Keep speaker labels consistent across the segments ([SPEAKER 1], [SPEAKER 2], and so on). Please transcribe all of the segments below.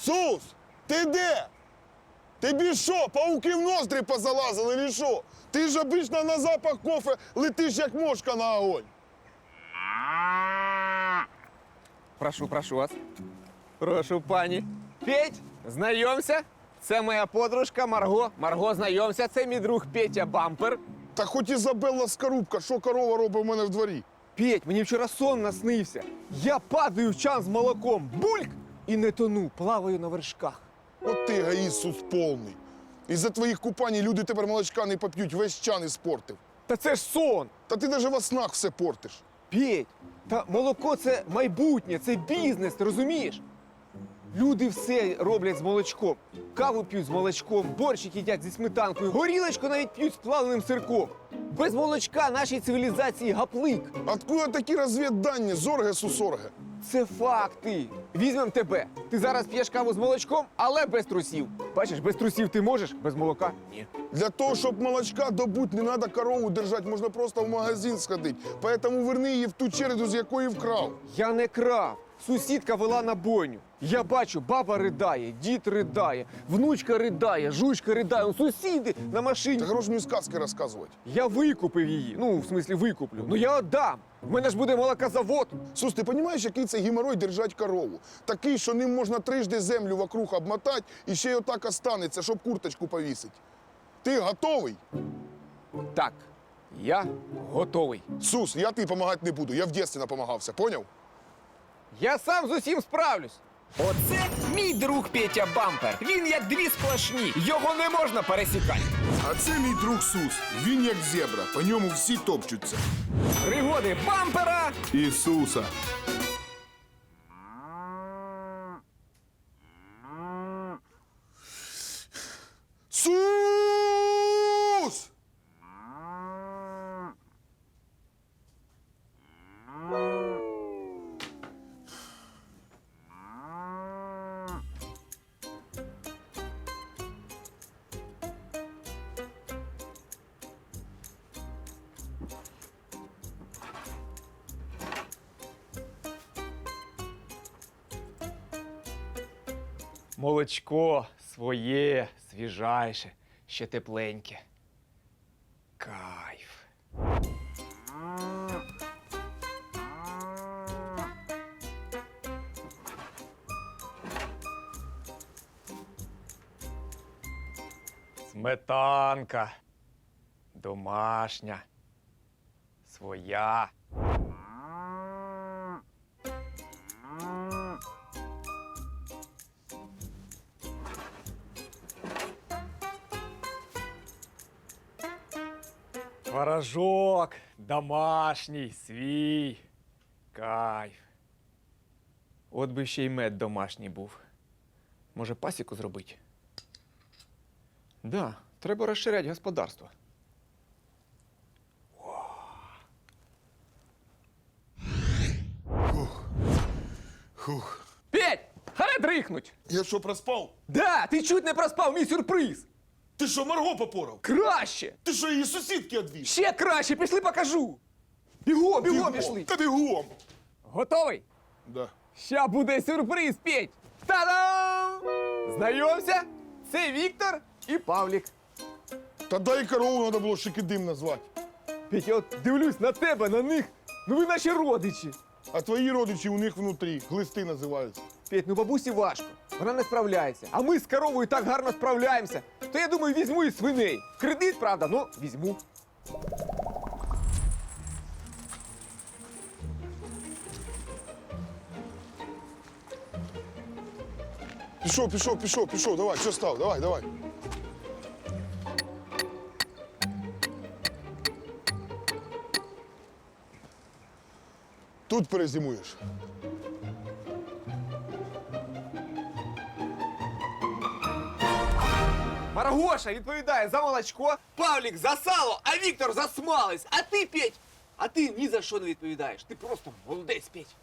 [SPEAKER 1] Сус, ти де? Тобі що, пауки в ноздрі позалазили, чи що? Ти ж обично на запах кофе летиш, як мошка на огонь.
[SPEAKER 2] Прошу вас. Прошу, пані. Петь, знайомся. Це моя подружка Марго. Марго, знайомся. Це мій друг Петя Бампер.
[SPEAKER 1] Та хоч Ізабелла Скорубка, що корова робить в мене в дворі?
[SPEAKER 2] Петь, мені вчора сон наснився. Я падаю в чан з молоком. Бульк! І не тону, плаваю на вершках.
[SPEAKER 1] От ти егоїст, Сус, повний. Із-за твоїх купань люди тепер молочка не поп'ють, весь чан іспортив.
[SPEAKER 2] Та це ж сон!
[SPEAKER 1] Та ти навіть во снах все портиш.
[SPEAKER 2] Петь, та молоко це майбутнє, це бізнес, ти розумієш? Люди все роблять з молочком. Каву п'ють з молочком, борщик їдять зі сметанкою, горілочку навіть п'ють з плавленим сирком. Без молочка нашій цивілізації гаплик.
[SPEAKER 1] Откуда такі розвіддані, зорге, сусорге?
[SPEAKER 2] Це факти. Візьмем тебе. Ти зараз п'єш каву з молочком, але без трусів. Бачиш, без трусів ти можеш, без молока – ні.
[SPEAKER 1] Для того, щоб молочка добуть, не треба корову держати, можна просто в магазин сходити. Поэтому верни її в ту череду, з якої вкрав.
[SPEAKER 2] Я не крав. Сусідка вела на бойню. Я бачу, баба ридає, дід ридає, внучка ридає, жучка ридає, сусіди на машині.
[SPEAKER 1] Ти хорош мені сказки розказувати.
[SPEAKER 2] Я викупив її. Ну, в смислі, викуплю. Ну, я віддам. В мене ж буде молокозавод.
[SPEAKER 1] Сус, ти розумієш, який це геморрой держать корову? Такий, що ним можна трижди землю вокруг обмотати і ще й отак останеться, щоб курточку повісити. Ти готовий?
[SPEAKER 2] Так, я готовий.
[SPEAKER 1] Сус, я тобі допомагати не буду, я в дитинстві напомагався, поняв?
[SPEAKER 2] Я сам з усім справлюсь.
[SPEAKER 3] Оце мій друг Петя Бампер. Він як дві сплошні. Його не можна пересікати.
[SPEAKER 1] А це мій друг Сус. Він як зебра, по ньому всі топчуться.
[SPEAKER 3] Пригоди бампера.
[SPEAKER 1] Ісуса. Сус!
[SPEAKER 2] Молочко своє, свіжайше, ще тепленьке. Кайф. Сметанка. Домашня. Своя. Творожок домашній, свій. Кайф. От би ще й мед домашній був. Може, пасіку зробити? Да, треба розширяти господарство.
[SPEAKER 1] Хух.
[SPEAKER 2] Петь! Харе дрихнуть!
[SPEAKER 1] Я що, проспав?
[SPEAKER 2] Да, ти чуть не проспав мій сюрприз!
[SPEAKER 1] Ти що, Марго попорав?
[SPEAKER 2] Краще!
[SPEAKER 1] Ти що, її сусідки одвіз?
[SPEAKER 2] Ще краще! Пішли покажу! Бігом пішли!
[SPEAKER 1] Та бігом!
[SPEAKER 2] Готовий?
[SPEAKER 1] Да.
[SPEAKER 2] Ща буде сюрприз, Петь! Та-дам! Знайомся, це Віктор і Павлік.
[SPEAKER 1] Та дай корову треба було Шикидим назвати.
[SPEAKER 2] Петь, я от дивлюсь на тебе, на них. Ну ви наші родичі.
[SPEAKER 1] А твої родичі у них внутрі, глисти називаються.
[SPEAKER 2] Петь, ну бабусі важко. Вона не справляється. А ми з коровою так гарно справляємося. То я думаю, візьму і свиней. В кредит, правда, ну візьму.
[SPEAKER 1] Пішов, давай, що став, давай. Тут перезимуєш.
[SPEAKER 2] Маргоша відповідає за молочко, Павлік за сало, а Віктор за смалець. А ти, Петь, а ти ні за що не відповідаєш. Ти просто молодець, Петь.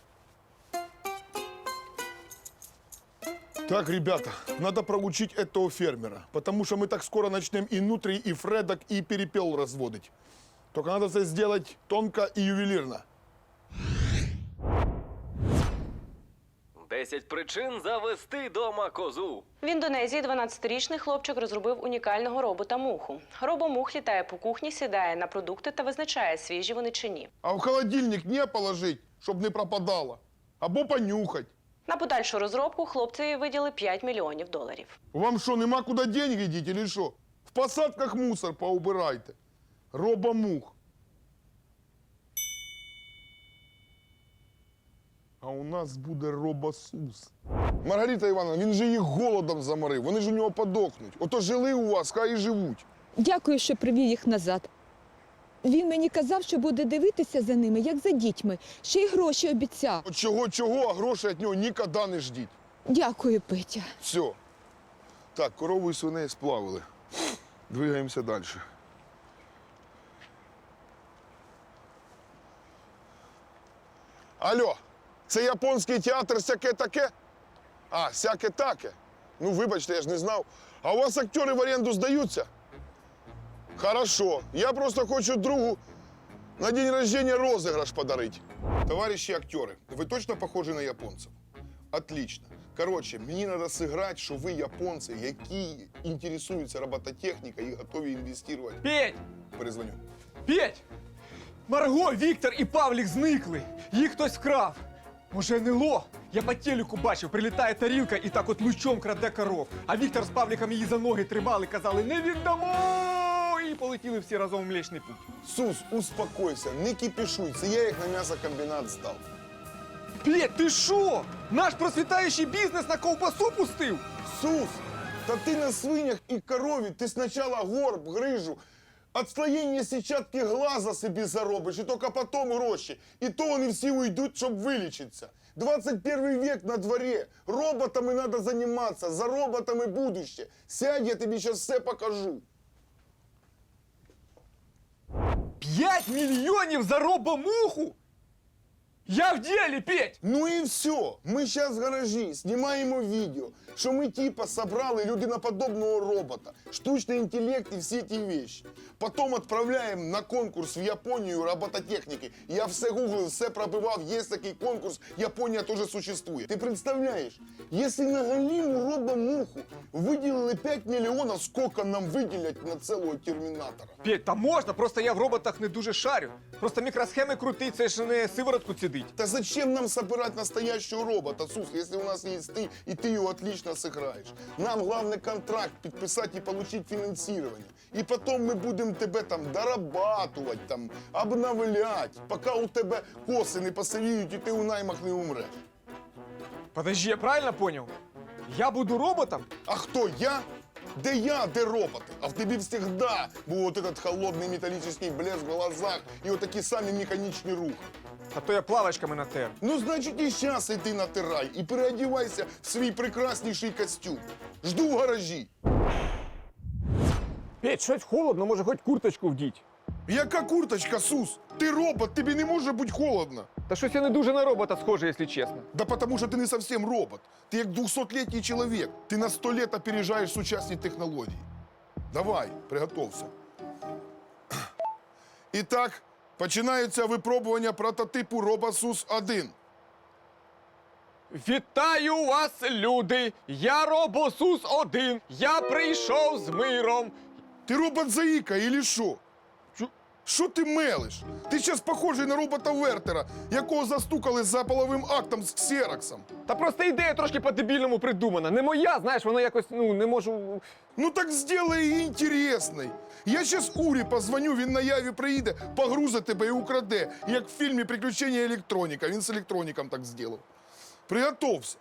[SPEAKER 1] Так, ребята, надо проучить этого фермера, потому что мы так скоро начнем и нутрий, и фредок, и перепел разводить. Только надо это сделать тонко и ювелирно.
[SPEAKER 4] 10 причин завести дома козу.
[SPEAKER 5] В Індонезії 12-річний хлопчик розробив унікального робота-муху. Робомух літає по кухні, сідає на продукти та визначає, свіжі вони чи ні.
[SPEAKER 1] А в холодильник не положить, щоб не пропадало. Або понюхать.
[SPEAKER 5] На подальшу розробку хлопцеві виділи $5 мільйонів.
[SPEAKER 1] Вам що, нема куди деньги діть, или що? В посадках мусор поубирайте. Робомух. А у нас буде робосус. Маргарита Івановна, він же їх голодом заморив. Вони ж у нього подохнуть. Ото жили у вас, хай і живуть.
[SPEAKER 6] Дякую, що привів їх назад. Він мені казав, що буде дивитися за ними, як за дітьми. Ще й гроші обіцяв.
[SPEAKER 1] От чого, а грошей від нього ніколи не ждіть.
[SPEAKER 6] Дякую, Петя.
[SPEAKER 1] Все. Так, корову і свиней сплавили. Двигаємося далі. Алло, це японський театр «Сяке таке»? А, «Сяке таке». Ну, вибачте, я ж не знав. А у вас актери в оренду здаються? Хорошо. Я просто хочу другу на день рождения розыгрыш подарить. Товарищи актеры, вы точно похожи на японцев? Отлично. Короче, мені треба зіграти, що ви японці, які інтересуються робототехнікою і готові інвестувати.
[SPEAKER 2] Петь!
[SPEAKER 1] Перезвоню.
[SPEAKER 2] Петь! Марго, Віктор і Павлік зникли. Їх хтось вкрав. Може, НЛО? Я по телеку бачив, прилітає тарілка і так от лучом краде коров. А Віктор з Павліком її за ноги тримали, казали «Не віддамо!» І полетіли всі разом в Млечний Путь.
[SPEAKER 1] Сус, успокойся, не кипішуй, це я їх на м'ясокомбінат здав.
[SPEAKER 2] Петь, ти що? Наш процвітаючий бізнес на ковбасу пустив?
[SPEAKER 1] Сус, та ти на свинях і корові, ти спочатку горб, грижу, отслоєння сітчатки глаза собі заробиш, і тільки потім гроші. І то вони всі уйдуть, щоб вилічитися. 21 век на дворі, роботами треба займатися, за роботами будуще. Сядь, я тобі зараз все покажу.
[SPEAKER 2] 5 мільйонів за робомуху? Я в ділі, Петь!
[SPEAKER 1] Ну і все. Ми зараз в гаражі знімаємо відео, що ми типа собрали людиноподобного робота, штучний інтелект і всі ті вещи. Потім відправляємо на конкурс в Японію робототехніки. Я все гуглив, все пробивав, є такий конкурс, Японія теж существує. Ти представляєш, якщо на галіму робомуху виділили 5 мільйонів, скільки нам виділять на цілого термінатора?
[SPEAKER 2] Петь, та можна, просто я в роботах не дуже шарю. Просто мікросхеми крути, це ж не сиворотку цідить.
[SPEAKER 1] Та зачем нам собирать настоящего робота, Сус, если у нас есть ты, и ты его отлично сыграешь? Нам главный контракт подписать и получить финансирование. И потом мы будем тебе там дорабатывать, там, обновлять, пока у тебе косы не посивіють і ти у наймах не умреш.
[SPEAKER 2] Подожди, я правильно понял? Я буду роботом?
[SPEAKER 1] А хто я? Де я, де роботи? А в тобі всегда був от этот холодний металлический блеск в глазах і отакі самі механічні рухи.
[SPEAKER 2] А то я плавочками натер.
[SPEAKER 1] Ну, значить, і щас іди натирай і переодівайся в свій прекрасніший костюм. Жду в гаражі.
[SPEAKER 2] Петь, щось холодно, може хоч курточку вдіть.
[SPEAKER 1] Яка курточка, Сус? Ти робот, тобі не може бути холодно.
[SPEAKER 2] Та щось я не дуже на робота схожий, якщо чесно.
[SPEAKER 1] Да потому що ти не совсем робот. Ти як 200-літній чоловік. Ти на 100 лет опережаєш сучасні технології. Давай, приготовся. І так, починаються випробування прототипу RoboSUS-1.
[SPEAKER 2] Вітаю вас, люди! Я робосус-1. Я прийшов з миром.
[SPEAKER 1] Ти робот-заїка, или що? Що ти мелиш? Ти зараз похожий на робота Вертера, якого застукали за половим актом з ксероксом.
[SPEAKER 2] Та просто ідея трошки по-дебільному придумана. Не моя, знаєш, вона якось, не можу...
[SPEAKER 1] Ну так сделай її інтересною. Я зараз Урі позвоню, він на яві приїде, погрузить тебе і украде, як в фільмі «Приключення електроніка». Він з електроніком так зробив. Приготовся.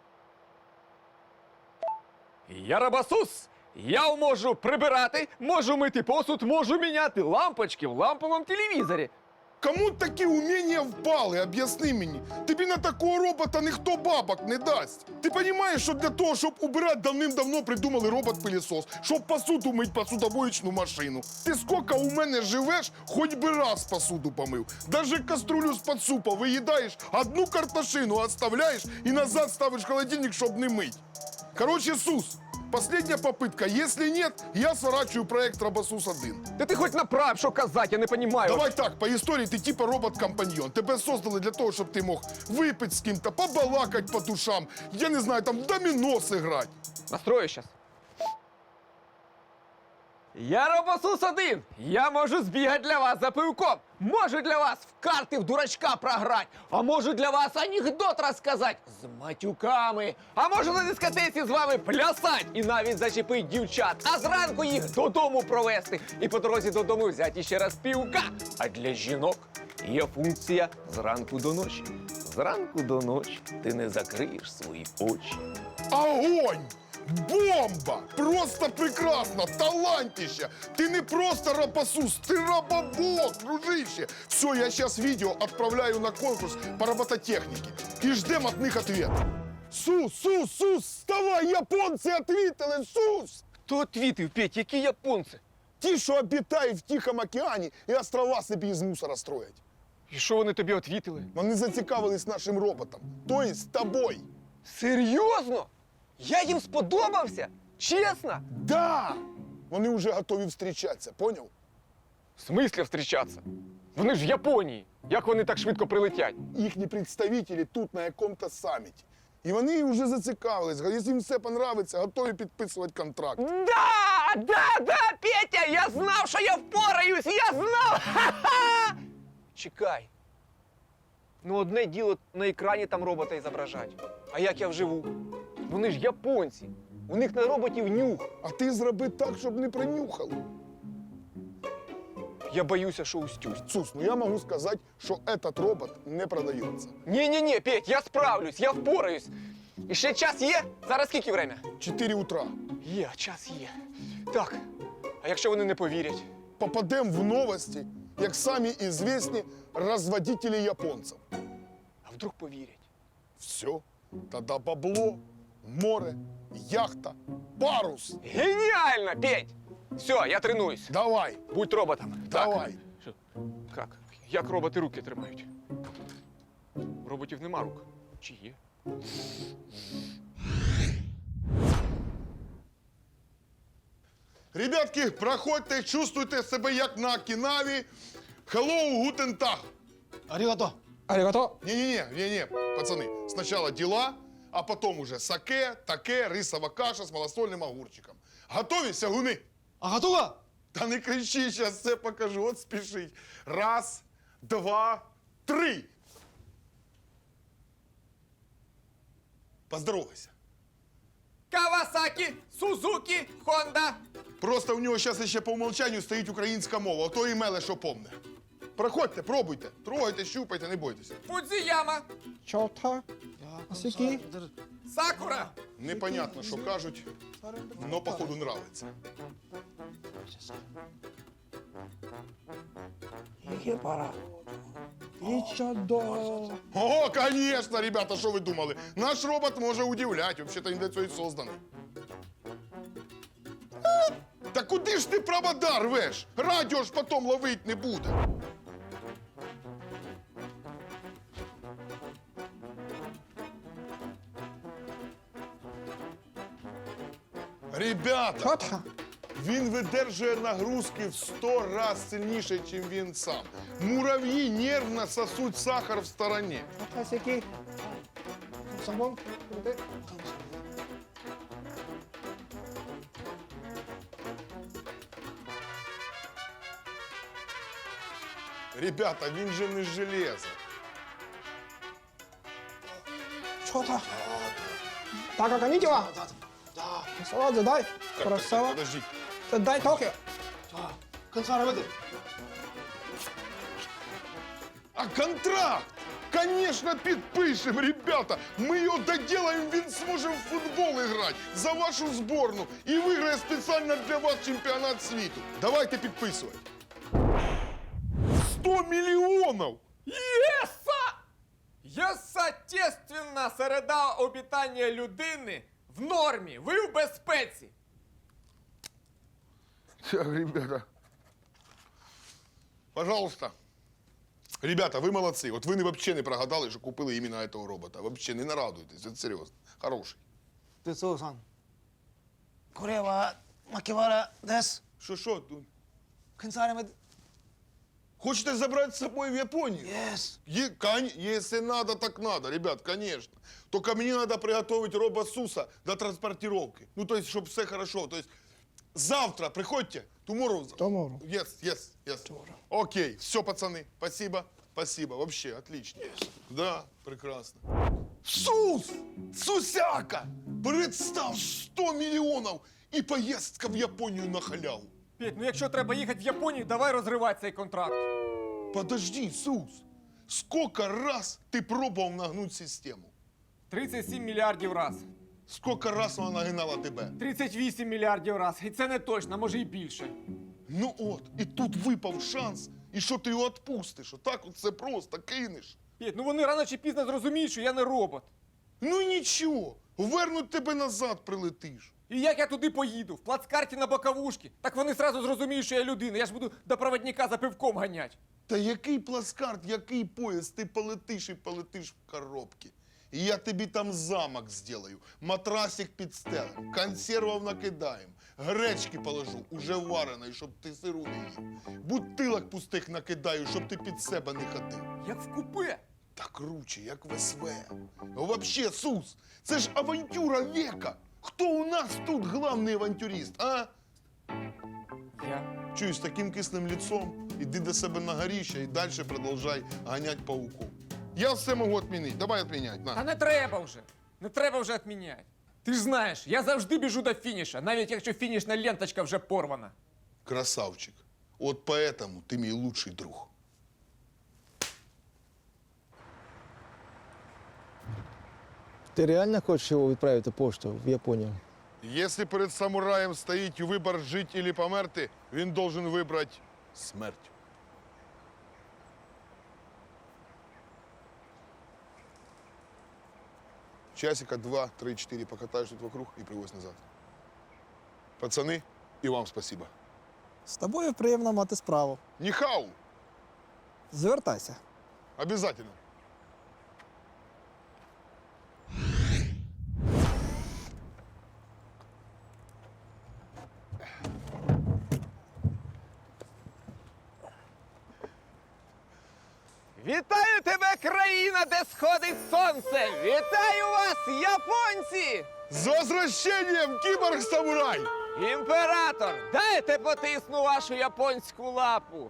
[SPEAKER 2] Я робосус. Я можу прибирати, можу мити посуд, можу міняти лампочки в ламповому телевізорі.
[SPEAKER 1] Кому такі уміння впали, об'ясни мені. Тобі на такого робота ніхто бабок не дасть. Ти розумієш, що для того, щоб убирати, давним-давно придумали робот-пилісос, щоб посуду мить посудомоїчну машину. Ти скільки у мене живеш, хоч би раз посуду помив. Даже каструлю з-під супа виїдаєш, одну картошину оставляєш і назад ставиш в холодильник, щоб не мить. Короче, Сус, Последняя попытка. Если нет, я сворачиваю проект Робосус-1.
[SPEAKER 2] Та ти хоч направ, що казати, я не розумію.
[SPEAKER 1] Давай так, по історії ти типа робот-компаньйон. Тебе создали для того, щоб ти мог випити з ким-то, побалакати по душам, я не знаю, там в доміно зіграти.
[SPEAKER 2] Настрою щас. Я Робосус-1. Я можу збігати для вас за пивком. Можу для вас в карти в дурачка програти. А можу для вас анекдот розказати з матюками. А можу на дискотеці з вами плясати і навіть зачепити дівчат. А зранку їх додому провести. І по дорозі додому взяти ще раз півка. А для жінок є функція зранку до ночі. Зранку до ночі ти не закриєш свої очі.
[SPEAKER 1] Огонь! Бомба! Просто прекрасно! Талантище! Ты не просто робосус, ты робобот, дружище! Все, я сейчас видео отправляю на конкурс по робототехнике. И ждем от них ответ. Сус, вставай, японцы ответили, Сус!
[SPEAKER 2] Хто отвітив, Петь, які японці?
[SPEAKER 1] Ті, що обітають в Тихому океані і острова собі із мусора строять.
[SPEAKER 2] І що вони тобі отвітили?
[SPEAKER 1] Вони зацікавились нашим роботом, то есть тобой.
[SPEAKER 2] Серйозно? Я їм сподобався? Чесно?
[SPEAKER 1] Да! Вони вже готові зустрічатися, поняв?
[SPEAKER 2] В смислі зустрічатися? Вони ж в Японії. Як вони так швидко прилетять?
[SPEAKER 1] Їхні представники тут на якому-то саміті. І вони вже зацікавились. Якщо їм все подобається, готові підписувати контракт.
[SPEAKER 2] Да, Петя, я знав, що я впораюсь, я знав! Ха-ха! Чекай. Ну, одне діло на екрані там робота зображать. А як я вживу? Вони ж японці. У них на роботів нюх.
[SPEAKER 1] А ти зроби так, щоб не принюхали.
[SPEAKER 2] Я боюся, що устюсь.
[SPEAKER 1] Сус, ну я можу сказати, що этот робот не продається.
[SPEAKER 2] Ні, Петь, я справлюсь, я впораюсь. І ще час є? Зараз скільки время?
[SPEAKER 1] 4 утра.
[SPEAKER 2] Є, час є. Так, а якщо вони не повірять?
[SPEAKER 1] Попадемо в новості, як самі ізвісні розводителі японців.
[SPEAKER 2] А вдруг повірять?
[SPEAKER 1] Все, тоді бабло, море, яхта, парус.
[SPEAKER 2] Геніально, Петь! Все, я тренуюсь.
[SPEAKER 1] Давай,
[SPEAKER 2] Будь роботом.
[SPEAKER 1] давай.
[SPEAKER 2] Так. Як? Як роботи руки тримають? У роботів нема рук. Чи є?
[SPEAKER 1] Ребятки, проходьте, чувствуйте себе як на Окинаві. Hello, guten Tag.
[SPEAKER 2] Арігато.
[SPEAKER 1] Не, пацаны, сначала дела, а потом уже саке, таке, рисова каша з малосольним огурчиком. Готові, сягуни?
[SPEAKER 7] А готова?
[SPEAKER 1] Та не кричи, зараз все покажу, от спішить. Раз, два, три. Поздоровайся.
[SPEAKER 3] Кавасакі, Сузукі, Хонда.
[SPEAKER 1] Просто у нього зараз ще по умолчанню стоїть українська мова, а то і меле, що помне. Проходьте, пробуйте, трогайте, щупайте, не бойтеся.
[SPEAKER 3] Фудзіяма,
[SPEAKER 7] Чота. Асіки.
[SPEAKER 3] Сакура.
[SPEAKER 1] Непонятно, що кажуть, но походу нравиться.
[SPEAKER 7] Ігепара. Ічадо.
[SPEAKER 1] О, конечно, ребята, що ви думали? Наш робот може удивлять, вообще-то він для цього і созданий. Та куди ж ти провода рвеш? Радіо ж потім ловить не буде. Ребята,
[SPEAKER 7] Чота.
[SPEAKER 1] він видержує нагрузки в 100 разів сильніше, ніж він сам. Мурав'ї нервно сосуть сахар в стороні.
[SPEAKER 7] Асіки. Самон.
[SPEAKER 1] Ребята, він же не з железа.
[SPEAKER 7] Чота. Так, конічева. Сава, задай. Красава.
[SPEAKER 1] Подождіть.
[SPEAKER 7] Задай Токіо.
[SPEAKER 1] А контракт? Конечно, підпишемо, ребята. Ми його доделаємо, він зможе в футбол грати за вашу зборну і виграє спеціально для вас чемпіонат світу. Давайте підписувати. 100 мільйонів!
[SPEAKER 3] Єса! Єстественно, середа обітання людини в нормі, ви в безпеці.
[SPEAKER 1] Так, ребята. Пожалуйста. Ребята, ви молодці. От ви взагалі не прогадали, що купили іменно цього робота. Взагалі не нарадуйтесь, це серйозно. Хороший.
[SPEAKER 7] Тецо-сан. これは牧原です。
[SPEAKER 1] Що, Дунь?
[SPEAKER 7] 検査あれまで
[SPEAKER 1] Хочете забрать с собой в Японию?
[SPEAKER 7] Yes.
[SPEAKER 1] Если надо, так надо, ребят, конечно. Только мне надо приготовить робо-суса до транспортировки. Ну, то есть, чтобы все хорошо. То есть, завтра приходите. Tomorrow.
[SPEAKER 7] Tomorrow.
[SPEAKER 1] Yes. Окей, все, пацаны, спасибо. Спасибо, вообще, отлично. Да, прекрасно. Сус! Сусяка! Представь, 100 миллионов и поездка в Японию на халяву.
[SPEAKER 2] Петь, ну якщо треба їхати в Японію, давай розривати цей контракт.
[SPEAKER 1] Подожди, Сус, сколько раз ты пробовал нагнуть систему?
[SPEAKER 2] 37 мільярдів раз.
[SPEAKER 1] Сколько раз вона нагинала тебе?
[SPEAKER 2] 38 мільярдів раз. І це не точно, може і більше.
[SPEAKER 1] Ну от, і тут випав шанс, і що ти його відпустиш? Отак от це просто кинеш.
[SPEAKER 2] Петь, ну вони рано чи пізно зрозуміють, що я не робот.
[SPEAKER 1] Ну нічого, вернуть тебе назад прилетиш.
[SPEAKER 2] І як я туди поїду? В плацкарті на боковушки? Так вони зразу зрозуміють, що я людина. Я ж буду до проводника за пивком ганять.
[SPEAKER 1] Та який плацкарт, який поїзд, ти полетиш і полетиш в коробці. І я тобі там замок зроблю, матрасик підстелим, консервів накидаємо, гречки положу, уже вареної, щоб ти сиру не їв. Бутилок пустих накидаю, щоб ти під себе не ходив.
[SPEAKER 2] Як в купе.
[SPEAKER 1] Та круче, як в СВ. Вообще, Сус, це ж авантюра века. Хто у нас тут главний авантюрист, а?
[SPEAKER 2] Я.
[SPEAKER 1] Чуєш, з таким кислим лицом, іди до себе на горіще і далі продовжай ганять пауков. Я все можу відмінити. Давай відміняй.
[SPEAKER 2] Та
[SPEAKER 1] На.
[SPEAKER 2] не треба вже. Не треба вже відміняти. Ти ж знаєш, я завжди біжу до фініша, навіть якщо фінішна ленточка вже порвана.
[SPEAKER 1] Красавчик. От поэтому ти мій лучший друг.
[SPEAKER 8] Ти реально хочеш його відправити поштою в Японію?
[SPEAKER 1] Якщо перед самураєм стоїть вибір жити або померти, він должен вибрати смерть. Часика 2, 3, 4 покатаешь тут вокруг и привозь назад. Пацаны, и вам спасибо.
[SPEAKER 7] З тобою приємно мати справу.
[SPEAKER 1] Нихау!
[SPEAKER 7] Звертайся.
[SPEAKER 1] Обязательно.
[SPEAKER 2] Вітаю тебе, країна, де сходить сонце! Вітаю вас, японці!
[SPEAKER 1] С возвращением, киборг-самурай!
[SPEAKER 2] Імператор, дайте потисну вашу японську лапу.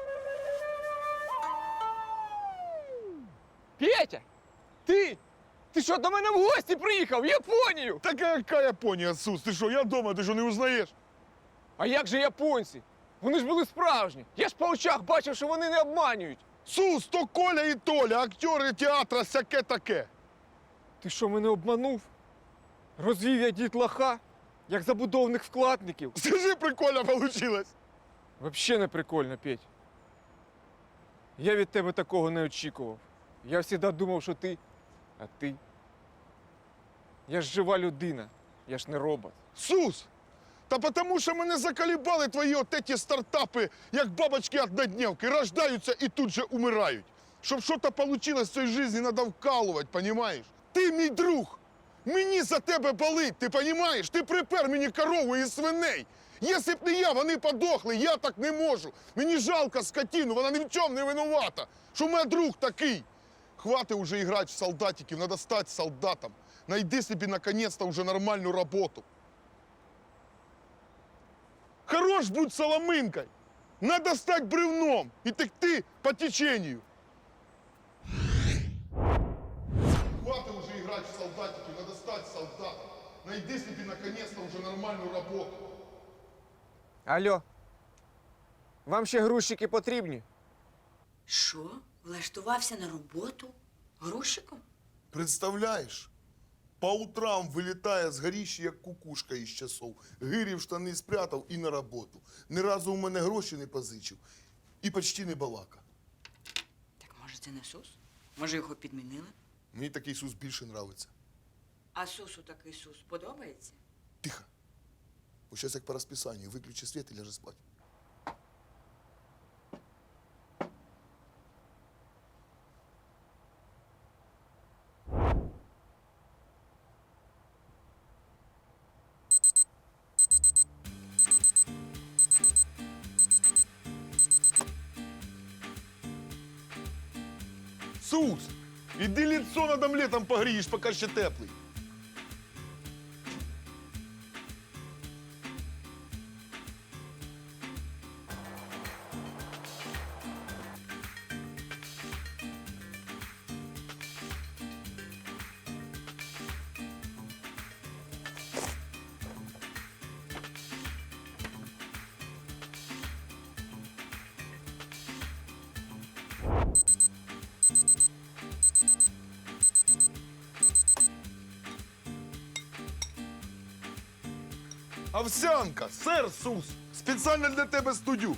[SPEAKER 2] Петя, ти що, до мене в гості приїхав? В Японію?
[SPEAKER 1] Так какая Япония, Сус? Ты что, я дома, ты что, не узнаешь?
[SPEAKER 2] А як же японці? Вони ж були справжні. Я ж по очах бачив, що вони не обманюють.
[SPEAKER 1] Сус, то Коля и Толя, актеры театра всяке-таке.
[SPEAKER 2] Ти що, мене обманув? Розвів я дітлаха, як забудовних вкладників.
[SPEAKER 1] Скажи, прикольно получилось.
[SPEAKER 2] Вообще не прикольно, Петь. Я від тебе такого не очікував. Я завжди думав, що ти, а ти. Я ж жива людина, я ж не робот.
[SPEAKER 1] Сус, та потому що мене заколебали твої от эти стартапи, як бабочки однодневки, рождаються і тут же умирають. Щоб щось вийшло в цій житті, треба вкалувати, понімаєш? Ти мій друг, мені за тебе болить, ти понімаєш? Ти припер мені корову і свиней. Якщо б не я, вони подохли, я так не можу. Мені жалко скотину, вона ні в чому не винувата. Що в мене друг такий. Хватит уже играть в солдатиков, надо стать солдатом. Найди себе наконец-то уже нормальную работу. Хорош будь соломинкой. Надо стать бревном и текти по течению. Хватит уже играть в солдатики, надо стать солдатом. Найди себе наконец-то уже нормальную работу.
[SPEAKER 2] Алло, вам ще грузчики потрібні?
[SPEAKER 9] Що? Влаштувався на роботу? Грузчиком?
[SPEAKER 1] Представляєш? По утрам вилітає з горіща, як кукушка із часов. Гирі в штани спрятав і на роботу. Ні разу у мене гроші не позичив. І почти не балака.
[SPEAKER 9] Так може це не Сус? Може його підмінили?
[SPEAKER 1] Мені такий Сус більше нравиться.
[SPEAKER 9] А Сусу такий Сус подобається?
[SPEAKER 1] Тихо. Ось зараз як по розписанню. Виключи світ і ляжи спати. Сус, іди лицо над омлетом погрієш, поки ще теплий. Овсянка, сир, Сус, спеціально для тебе студю.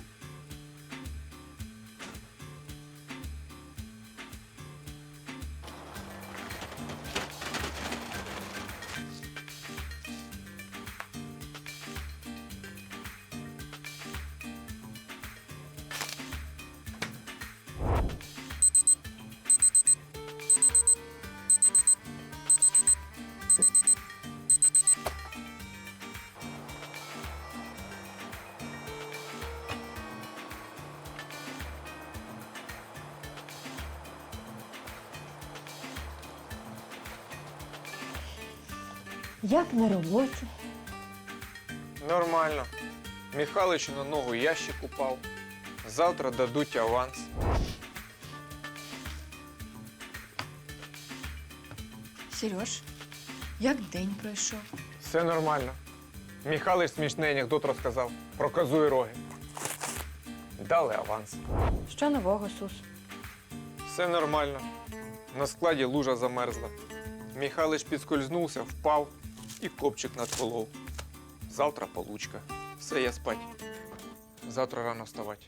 [SPEAKER 10] Як на роботі?
[SPEAKER 2] Нормально. Михаличу на ногу ящик упав. Завтра дадуть аванс.
[SPEAKER 9] Сереж, як день пройшов?
[SPEAKER 2] Все нормально. Михалич смішний анекдот розказав про козу і роги. Дали аванс.
[SPEAKER 10] Що нового, Сус?
[SPEAKER 2] Все нормально. На складі лужа замерзла. Михалич підскользнувся, впав і копчик надколов. Завтра получка. Все, я спать. Завтра рано вставати.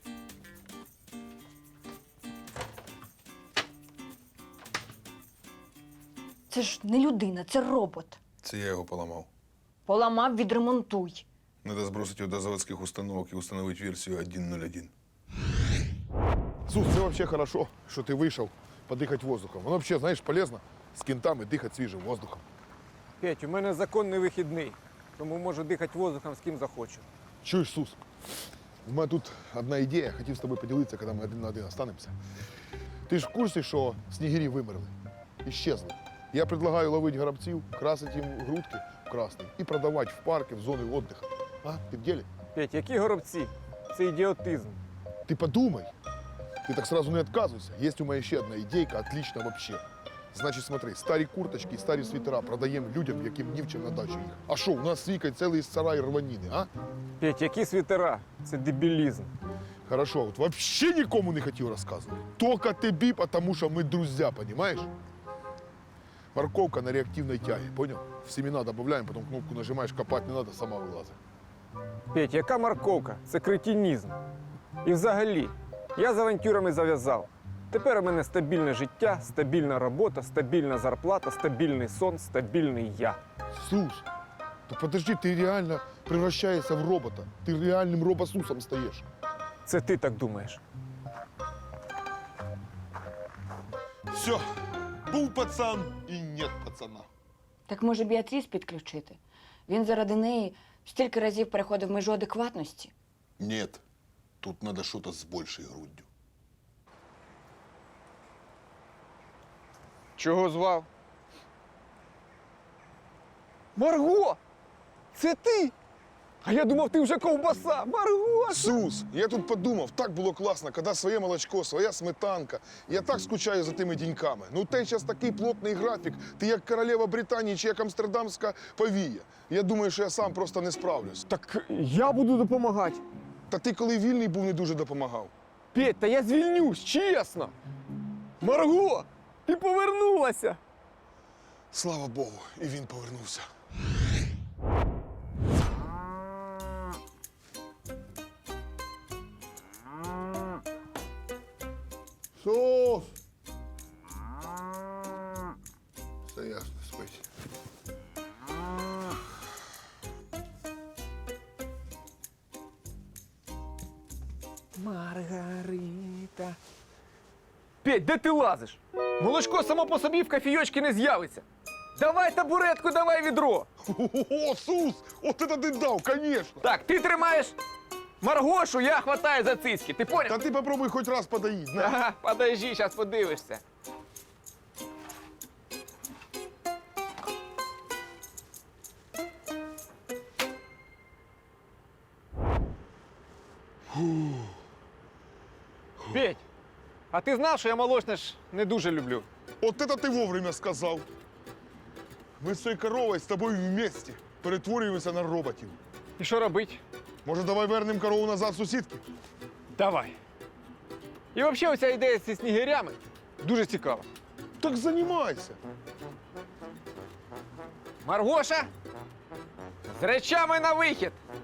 [SPEAKER 10] Це ж не людина, це робот.
[SPEAKER 1] Це я його поламав.
[SPEAKER 10] Поламав, відремонтуй.
[SPEAKER 1] Надо сбросить его до заводских установок и установить версию 1.0.1. Сус, це вообще хорошо, що ти вийшов подихати воздухом. Воно вообще, знаєш, полезно з кінтами дихати свіжим воздухом.
[SPEAKER 2] Петь, у мене законний вихідний, тому можу дихати воздухом з ким захочу.
[SPEAKER 1] Чуєш, Сус? У мене тут одна ідея, хотів з тобою поділитися, коли ми один на один останемося. Ти ж в курсі, що снігирі вимерли, іщезли. Я предлагаю ловити горобців, красити їм грудки в красний і продавати в парки, в зони відпочинку. А, ти в ділі?
[SPEAKER 2] Петь, які горобці? Це ідіотизм.
[SPEAKER 1] Ты подумай. Ты так сразу не отказывайся. Есть у меня еще одна идейка, отлично вообще. Значит, смотри, старі курточки, старі світера продаємо людям, яким ні в чим на дачу їх. А що, у нас з Вікою цілий сарай рваніни, а?
[SPEAKER 2] Петь, які світера? Це дебілізм.
[SPEAKER 1] Хорошо, вот вообще нікому не хотів розказувати. Только тобі, потому що ми друзі, понимаешь? Морковка на реактивной тяге, понял? В семена добавляем, потом кнопку нажимаешь, копать не надо, сама вилазить.
[SPEAKER 2] Петь, яка морковка? Це кретинізм. І взагалі, я з авантюрами зав'язав. Тепер у мене стабільне життя, стабільна робота, стабільна зарплата, стабільний сон, стабільний я.
[SPEAKER 1] Сус, то подожди, ти реально превращаешься в робота. Ти реальним робосусом стаєш.
[SPEAKER 2] Це ти так думаєш.
[SPEAKER 1] Все, був пацан і нет пацана.
[SPEAKER 9] Так може Біатріс підключити? Він заради неї стільки разів переходив межу адекватності.
[SPEAKER 1] Нет, тут надо что-то с большей грудью.
[SPEAKER 2] Чого звав? Марго! Це ти? А я думав, ти вже ковбаса. Марго!
[SPEAKER 1] Сус, я тут подумав, так було класно, коли своє молочко, своя сметанка. Я так скучаю за тими деньками. Ну, те зараз такий плотний графік, ти як королева Британії чи як амстердамська повія. Я думаю, що я сам просто не справлюсь.
[SPEAKER 2] Так я буду допомагати.
[SPEAKER 1] Та ти, коли вільний був, не дуже допомагав.
[SPEAKER 2] Петь, та я звільнюсь, чесно. Марго, ти повернулася.
[SPEAKER 1] Слава Богу, і він повернувся. Сус! Все ясно, спить.
[SPEAKER 2] Маргарита. Петь, де ти лазиш? Молочко само по собі в кофійочки не з'явиться. Давай табуретку, давай відро.
[SPEAKER 1] О, Сус! От це ти дав, конечно!
[SPEAKER 2] Так, ти тримаєш Маргошу, я хватаю за цицьки. Ти поняв?
[SPEAKER 1] Та ти попробуй хоч раз подоїть, знаєш.
[SPEAKER 2] Ага, подожди, зараз подивишся. Петь, а ти знав, що я молочне ж не дуже люблю?
[SPEAKER 1] От це ти вовремя сказав. Ми з цією коровою з тобою вместе перетворюємося на роботів.
[SPEAKER 2] І що робить?
[SPEAKER 1] Може, давай вернемо корову назад сусідки?
[SPEAKER 2] Давай. І взагалі оця ідея зі снігирями дуже цікава.
[SPEAKER 1] Так займайся.
[SPEAKER 2] Маргоша, з речами на вихід!